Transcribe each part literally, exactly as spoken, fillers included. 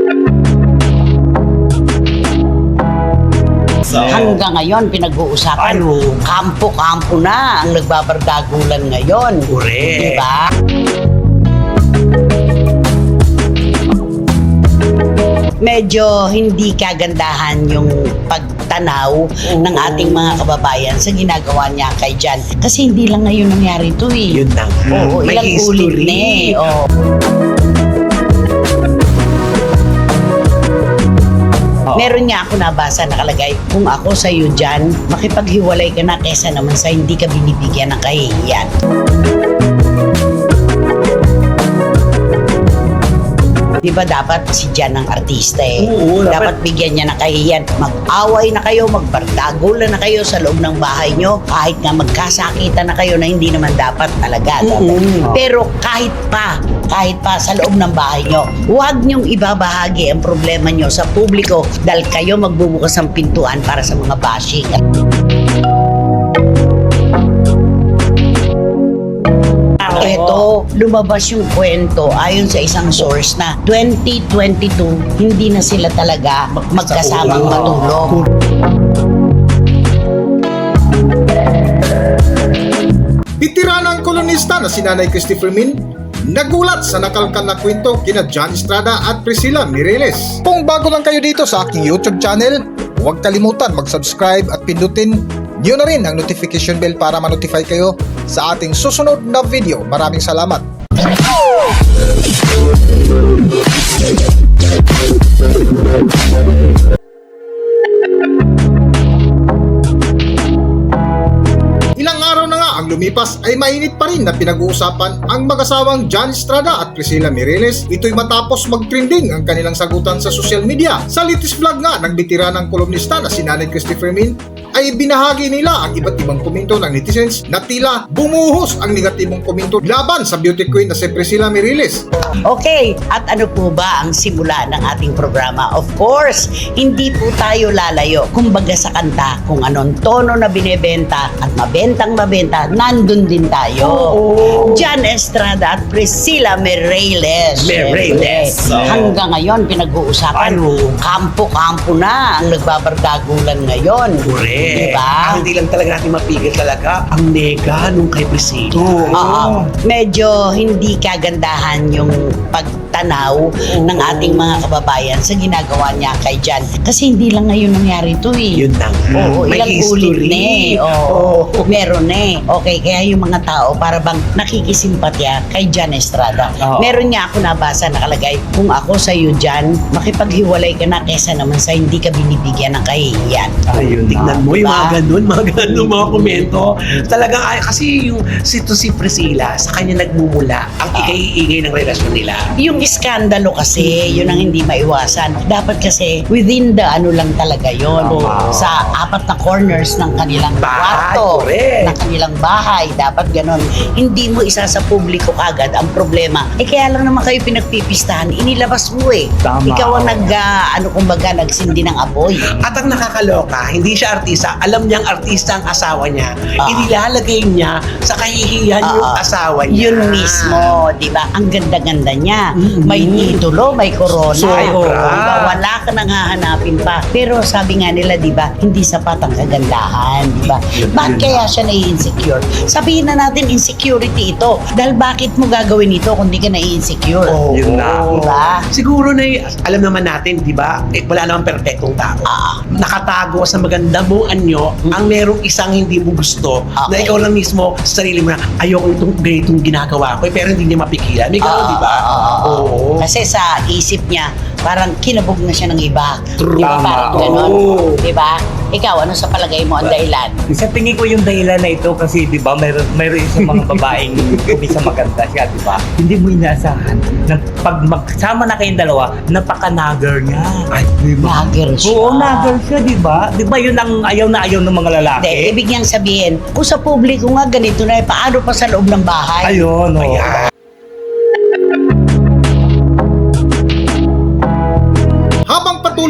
Hanggang ngayon, pinag-uusapan, Ano? kampo-kampo na ang nagbabardagulan ngayon. Correct. Diba? Medyo hindi kagandahan yung pagtanaw ng ating mga kababayan sa ginagawa niya kay Jan. Kasi hindi lang ngayon nangyari ito eh. Yun na nga. Oo, May ilang history. ulit na eh. Oo. Meron nga ako nabasa nakalagay, kung ako sa iyo dyan, makipaghiwalay ka na kesa naman sa hindi ka binibigyan ng kahihiyan. Di ba dapat si Jan ang artista eh? Oo, dapat, dapat- bigyan niya ng kahihiyan. Mag-away na kayo, magbardagulan na kayo sa loob ng bahay nyo, kahit nga magkasakitan na kayo na hindi naman dapat talaga. Oo. Pero kahit pa, kahit pa sa loob ng bahay nyo, huwag nyong ibabahagi ang problema nyo sa publiko dahil kayo magbubukas ng pintuan para sa mga bashing. Ito, lumabas yung kwento ayon sa isang source na twenty twenty-two, hindi na sila talaga magkasamang matulog. Bitiranang kolonista na si Nanay Christopher Min nagulat sa nakalkan na kwento kina Jan Estrada at Priscilla Mireles. Kung bago lang kayo dito sa aking YouTube channel, huwag kalimutan mag-subscribe at pindutin niyo na rin ang notification bell para ma-notify kayo sa ating susunod na video. Maraming salamat. Ilang araw na nga ang lumipas ay mainit pa rin na pinag-uusapan ang mag-asawang Jan Estrada at Priscilla Mireles. Ito'y matapos mag-trending ang kanilang sagutan sa social media. Sa latest vlog nga ng bitiranang kolumnista na si Nanay Christopher Min ay binahagi nila ang iba't ibang komento ng netizens na tila bumuhos ang negatibong komento laban sa beauty queen na si Priscilla Mireles. Okay, at ano po ba ang simula ng ating programa? Of course, hindi po tayo lalayo. Kumbaga sa kanta, kung anong tono na binebenta at mabentang mabenta, nandun din tayo. Oo. Jan Estrada at Priscilla Mireles. Mireles. Siyempre, hanggang ngayon, pinag-uusapan, Ano? kampo-kampo na ang nagbabardagulan ngayon. Correct. Diba? Ang hindi lang talaga natin mapigil talaga ang nega nung kay Priscilla. Oo. Medyo hindi kagandahan yung pagtanaw ng ating mga kababayan sa ginagawa niya kay Jan. Kasi hindi lang ngayon nangyari ito eh. Yun na nga. Oo, May ilang history. ulit na eh. Oo, Oo. meron na eh. Okay, kaya yung mga tao para bang nakikisimpatya kay Jan Estrada. Oo. Meron niya ako nabasa nakalagay, kung ako sa iyo Jan, makipaghiwalay ka na kesa naman sa hindi ka binibigyan ng kahihiyan. Ayun, tignan mo yung Diba? mga ganun, mga ganun, mga komento. Talagang, ay, kasi yung si to si Priscilla, sa kanya nagmumula ang ikay-igay ng relasyon nila. Yung iskandalo kasi, yun ang hindi maiwasan. Dapat kasi within the ano lang talaga yun. Tama. Sa apat na corners ng kanilang Bahay, kwarto, correct. ng kanilang bahay. Dapat ganon. Hindi mo isa sa publiko kagad ang problema. Eh kaya lang naman kayo pinagpipistahan, inilabas mo eh. Tama. Ikaw ang nag, ah, ano kumbaga, nagsindi ng apoy. At ang nakakaloka, hindi siya artista. Alam niyang artista ang asawa niya. Ah. Inilalagay niya sa kahihiyan yung Oo. asawa niya. Yun mismo, di ba? Ang ganda-ganda niya. Mm-mm. May titulo, may corona. Sobra. Diba? Wala ka nang hahanapin pa. Pero sabi nga nila, di ba, hindi sapat ang kagandahan, di ba? Yun- Bakit yun kaya siya nai-insecure? Sabihin na natin, insecurity ito. Dahil bakit mo gagawin ito kung di ka nai-insecure? Oo. Yun na. Diba? Siguro na y- alam naman natin, di ba, eh, wala namang perfectong tao. Ah. Nakatago sa maganda mong anyo ang merong isang hindi mo gusto na Okay. ikaw lang mismo sa sarili mo na ayoko itong ganitong ginagawa ko eh, pero hindi niya mapigilan. May gano'n, Ah, di ba? ah, ah, ah. Oo. Kasi sa isip niya, parang kinabog na siya ng iba. True. Di ba? Tama. Parang ganun. Oo. Di ba? Ikaw, ano sa palagay mo ang dahilan? Sa tingin ko yung dahilan na ito kasi 'di ba mayroon mayroon isang mga babaeng kumisa maganda siya 'di ba? Hindi mo inaasahan na pag magsama na kayong dalawa, napaka-nagger niya. Ay, Di ba? Nagger siya. Oo, nagger siya 'di ba? 'Di ba yun ang ayaw na ayaw ng mga lalaki? Hindi, ibig niyang sabihin, kung sa publiko nga ganito na, eh, paano pa sa loob ng bahay? Ayun, oh. Ayan. Habang patuloy nga ang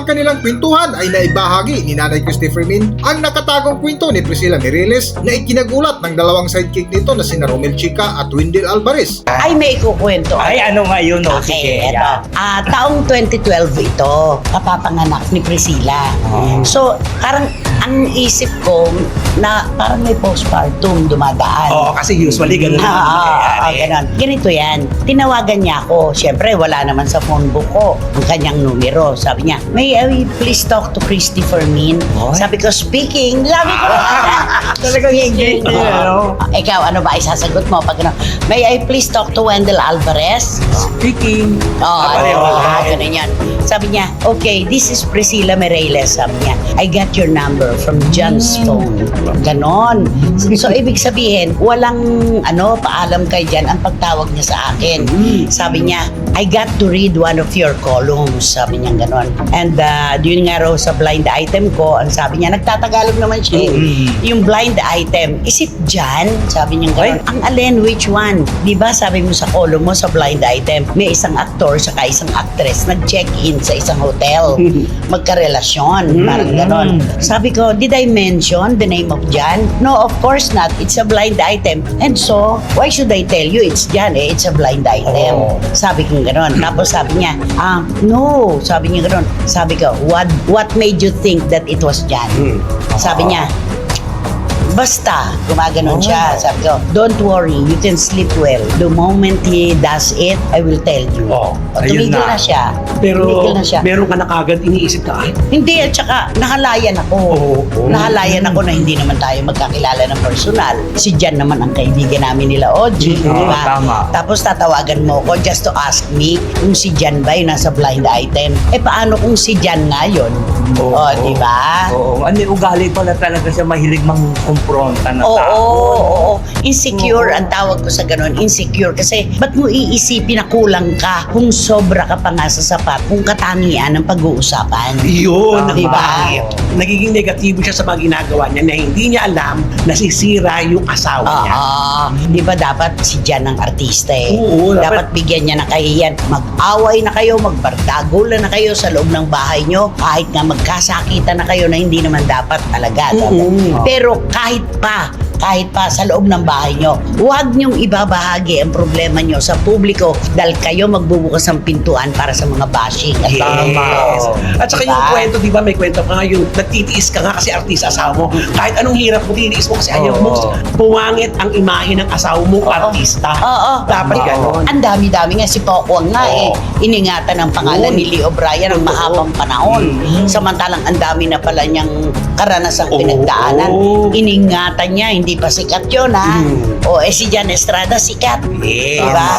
kanilang kwentuhan ay naibahagi ni Nanay Christy Fermin ang nakatagong kwento ni Priscilla Mireles na ikinagulat ng dalawang sidekick nito na sina Romel Chica at Wendell Alvarez. Ay, may ikukwento. Ay, ano nga yun, no? Okay, Sige, eto. yeah. Ah, taong twenty twelve ito, kapapanganak ni Priscilla. Oh. So, parang ang isip ko na parang may postpartum dumadaan. Oo, kasi usually ganun Ah, ang ah, ah, nangyayari. ganon. Ganito yan. Tinawagan niya ako. Siyempre, wala naman sa phone book ko ang kanyang numero. Sabi niya, may I please talk to Christy Fermin? Oy. Sabi ko, speaking. Sabi ko, Talagang English Oo. niya, no? Ah, ikaw, ano ba isasagot mo? Pag ano, may I please talk to Wendell Alvarez? Speaking. Oo, Ah, oh, pareho oh, lang. ganun yan. Sabi niya, okay, this is Priscilla Mireles. Sabi niya, I got your number from John's phone. Ganon. So, ibig sabihin, walang ano, paalam kay Jan ang pagtawag niya sa akin. Sabi niya, I got to read one of your columns. Sabi niya ganon. And uh, yun nga raw sa blind item ko, ang sabi niya, nagtatagalog naman siya. eh. Mm. Yung blind item, is it Jan? Sabi niya ganon. Ang alin, which one? Di ba sabi mo sa column mo sa blind item, may isang aktor saka isang actress nag-check-in sa isang hotel. Magkarelasyon. Parang ganon. Sabi ko, did I mention the name of Jan? No, of course not. It's a blind item. And so, why should I tell you it's Jan? Eh, it's a blind item. Oh. Sabi ko ganon. Tapos sabi niya, ah, no. Sabi niya ganon. Sabi ko, what, what made you think that it was Jan? Hmm. Sabi niya, basta, gumaganon Oh. siya. Sabi ko, don't worry, you can sleep well. The moment he does it, I will tell you. Oh, O, ayun tumigil na. na. siya. Pero tumigil na siya. meron ka na kagad iniisip na, ay, Hindi, at saka nahalayan ako. Oo, oo. Nahalayan ako na hindi naman tayo magkakilala ng personal. Si Jan naman ang kaibigan namin nila, Oji. Oo, di ba? tama. Tapos tatawagan mo ko just to ask me kung si Jan ba yung nasa blind item. Eh paano kung si Jan nga yun? Oo, O, di ba? Oo. Ano yung ugali pala talaga siya mahilig mang-confronta na Oo, tao. oo, oo. Insecure Oo. ang tawag ko sa ganun. Insecure kasi ba't mo iisipin na kulang ka kung sobra ka pa nga sa sapat kung katangian ng pag-uusapan? yun, Tama. ang Diba? bakit. Nagiging negatibo siya sa mga ginagawa niya na hindi niya alam na sisira yung asawa niya. Oo. Di ba dapat si Jan ang artista eh? Oo, dapat, dapat- bigyan niya ng kahiyan. Mag-away na kayo, magbardagulan na kayo sa loob ng bahay nyo. Kahit nga magkasakitan na kayo na hindi naman dapat talaga. Oo. Pero kahit pa, kahit pa sa loob ng bahay nyo, huwag nyong ibabahagi ang problema nyo sa publiko dahil kayo magbubukas ng pintuan para sa mga bashing. At Yes. Tama. At saka Diba? yung kwento, di ba, may kwento ka nga, yung nagtitiis ka nga kasi artista asawa mo. Kahit anong hirap mo, titiis mo kasi ayaw mo Oo. pumangit ang imahe ng asawa mo, artista. Oo. Dapat Tama. gano'n. Ang dami-dami nga si Pokwang nga eh. Oo. Iningatan ng pangalan Yun. ni Lee O'Brien ng Totoo. mahabang panahon. Mm. Samantalang ang dami na pala niyang karanasang Oo. pinagdaanan. Iningatan niya, hindi pa sikat yun ha. Mm. O eh si Jan Estrada sikat. Yes. Diba?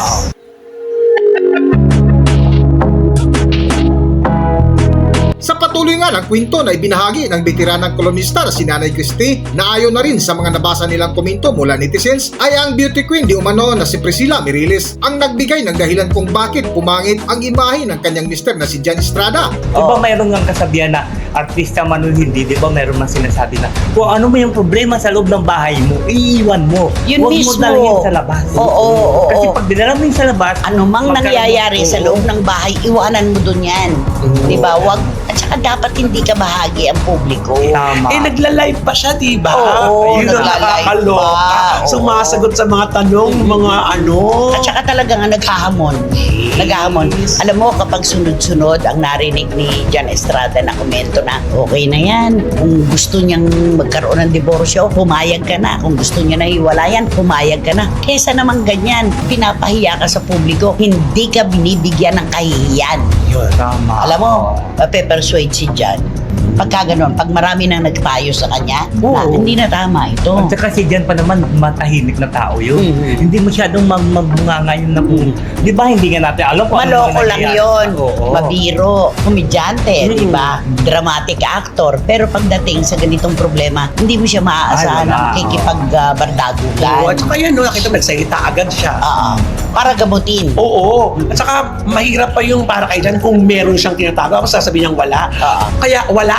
Sa patuloy nga ng kwento na ibinahagi ng veteranang kolumnista na si Nanay Christy na ayon na rin sa mga nabasa nilang komento mula netizens ay ang beauty queen di umano na si Priscilla Mireles ang nagbigay ng dahilan kung bakit pumangit ang imahe ng kanyang mister na si Jan Estrada. Di ba mayroon nga kasabihan na artista man o hindi, di ba mayroon man sinasabi na kung ano mo yung problema sa loob ng bahay mo, iiwan mo. Yun Huwag mismo. mo dalhin sa labas. Oo, oo, Kasi oo. pag dinala mo yun sa labas, Ano mang magkaroon- nangyayari sa Oo. loob ng bahay, iwanan mo dun yan. Oo. Diba? Wag, at saka dapat hindi ka bahagi ang publiko. Tama. Eh, nagla-live pa siya, di ba? Oo, Yun ang nagla-live nakakaloka. pa. Oo. Sumasagot sa mga tanong, mga ano. At saka talaga nga naghahamon. Naghahamon. Alam mo, kapag sunod-sunod ang narinig ni Jan Estrada na komento na, okay na yan. Kung gusto niyang magkaroon ng diborsyo, pumayag ka na. Kung gusto niya na hiwalayan, pumayag ka na. Kesa naman ganyan, pinapahiya ka sa publiko, hindi ka binibigyan ng kahihiyan. Yun. Tama. Alam mo, mape-persuade si Jan. Pagka ganun, pag marami nang nagpayo sa kanya, na, Oo. hindi na tama ito. At saka si Jan pa naman, matahimik na tao yun. Mhm. Hindi masyadong mag- magbunganga yun na kung, di ba hindi nga natin alam kung ano Maloko mga lang nangyayari. yon, Oo. mabiro, komedyante, Mm. di ba? Dramatic actor. Pero pagdating sa ganitong problema, hindi mo siya maaasahan Ay, ng wala. kikipag-bardagulan. Oo, at saka yan, no, nakita mo, nagsalita agad siya. Oo. Para gamutin. Oo. At saka, mahirap pa yung para kay Jan kung meron siyang tinatago. Ako sasabihin niyang wala. Oo. Kaya wala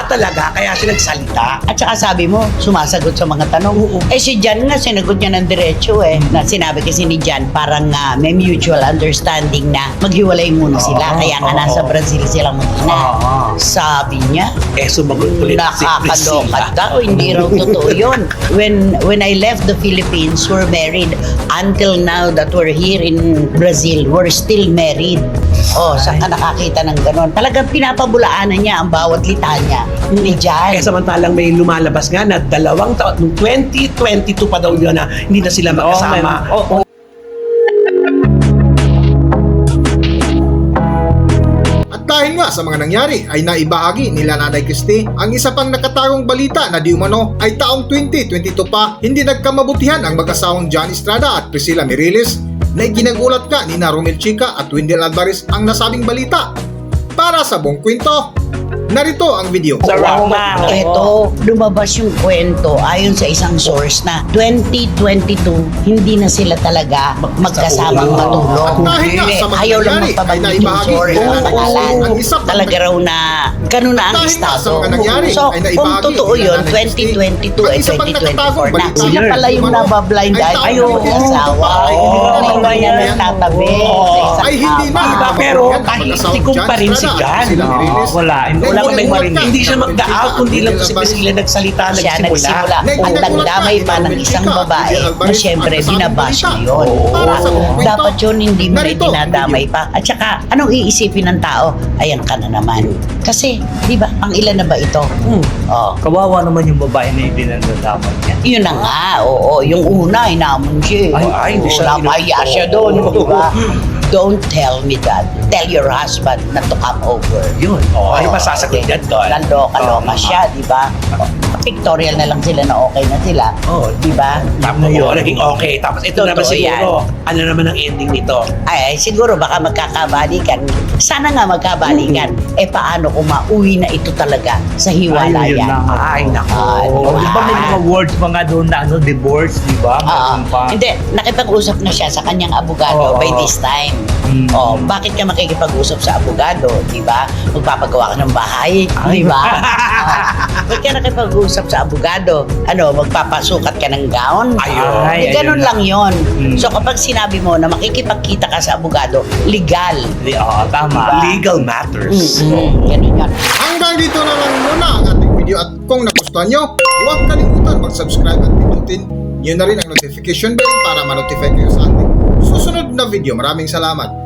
Wala talaga, kaya siya nagsalita. At saka sabi mo, sumasagot sa mga tanong. Eh si Jan nga, sinagot niya ng diretso eh. Na sinabi kasi ni Jan, parang nga may mutual understanding na maghiwalay muna sila. Oo, Kaya nga oo. nasa Brazil silang mag-ina. Oo. Sabi niya, Eh, sumagot ulit si nakakaloka Priscilla. daw. Hindi raw totoo yun. When, when I left the Philippines, we're married. Until now that we're here in Brazil, we're still married. Oh, saan ka nakakita ng ganon? Talagang pinapabulaanan niya ang bawat litanya ni Jan. Eh, samantalang may lumalabas nga na dalawang taon, noong twenty twenty-two pa daw yun na hindi na sila magkasama. Oo, oo. At dahil nga sa mga nangyari ay naibahagi nila Nanay Christie ang isa pang nakatagong balita na di umano ay taong twenty twenty-two pa hindi nagkamabutihan ang mag-asawang John Estrada at Priscilla Miriles na iginagulat nga ni na Romel Chica at Wendell Alvarez ang nasabing balita. Para sa buong kwento, narito ang video. Sa round na. Ito, lumabas yung kwento ayon sa isang source na twenty twenty-two, hindi na sila talaga magkasamang Oo. matulog. At dahil nga Eh, sa mga ayaw lang nangyari ay magpabanggit yung naibahagi source nila ng Nanay pangalan. Christie ang isa pang Talaga raw na ganun na ang Dahil nga sa estado. mga nangyari So, ay naibahagi kung totoo nila yun, Nanay twenty twenty-two Christie, ay ang isa pang twenty twenty-four nakatagong na. balita Sila Weird. pala yung Umano, nabablind ay eye. taong Ayaw, twenty asawa. twenty-two Hindi pa. naman yan nagtatabi sa isang ay hindi na ama. Diba? Pero Yan, kahit mag-asawang tikong pa rin John si Estrada at Jan. Priscilla Oo, Miriles. wala. Hindi- wala Wala kaming may marinig. Hindi siya mag-out, kundi lang si Priscilla nagsalita, Siya nagsimula. nagsimula. Ang nagdamay pa ng isang babae na siyempre binabash niya yun. Para sa buong kwento, Dapat yun hindi mo rin narito ang dinadamay pa. At saka, anong iisipin ng tao? Ayan ka na naman. Kasi, di ba, ang ilan na ba ito? Hmm. Oh. Kawawa naman yung babae na hindi nandasama niya. Yun na nga, oo. Yung una, inamon siya. Ay, ay, hindi siya Napaya inu- siya doon, di ba? Don't tell me that. Tell your husband not to come over. Yun. Oh, ay, masasagot yan doon. Naloka-loka Tama. siya, di ba? Pictorial na lang sila na okay na sila. Oh, Di ba? Tapos Yun. naging okay. Tapos ito Totoo naman siguro, ano naman ang ending nito? Ay, siguro baka magkakabalikan. Sana nga magkabalikan. Eh, paano kung mauwi na ito talaga sa Ayun, yun hiwalayan? na nga. Ay, nako. Ay, Oh, diba? di ba may mga words mga doon na ano, divorce, di ba? Oo. Meron pa. Hindi, nakipag-usap na siya sa kanyang abogado Oo. by this time. Mm. Oh, bakit ka makikipag-usap sa abogado, 'di ba? Magpapagawa ka ng bahay, Ay, 'di ba? Oh, bakit ka nakipag-usap sa abogado? Ano, magpapasukat ka ng gown? Ayun. Ay, Eh, ganun ayun lang 'yon. Mm. So kapag sinabi mo na makikipagkita ka sa abogado, legal. Di- Oo, tama. Diba? Legal matters. Mm-mm. Ganun 'yan. Hanggang dito na lang muna ang ating video at kung nagustuhan nyo, huwag kalimutan mag-subscribe at pindutin nyo na rin ang notification bell para ma-notify kayo sa ating susunod na video. Maraming salamat.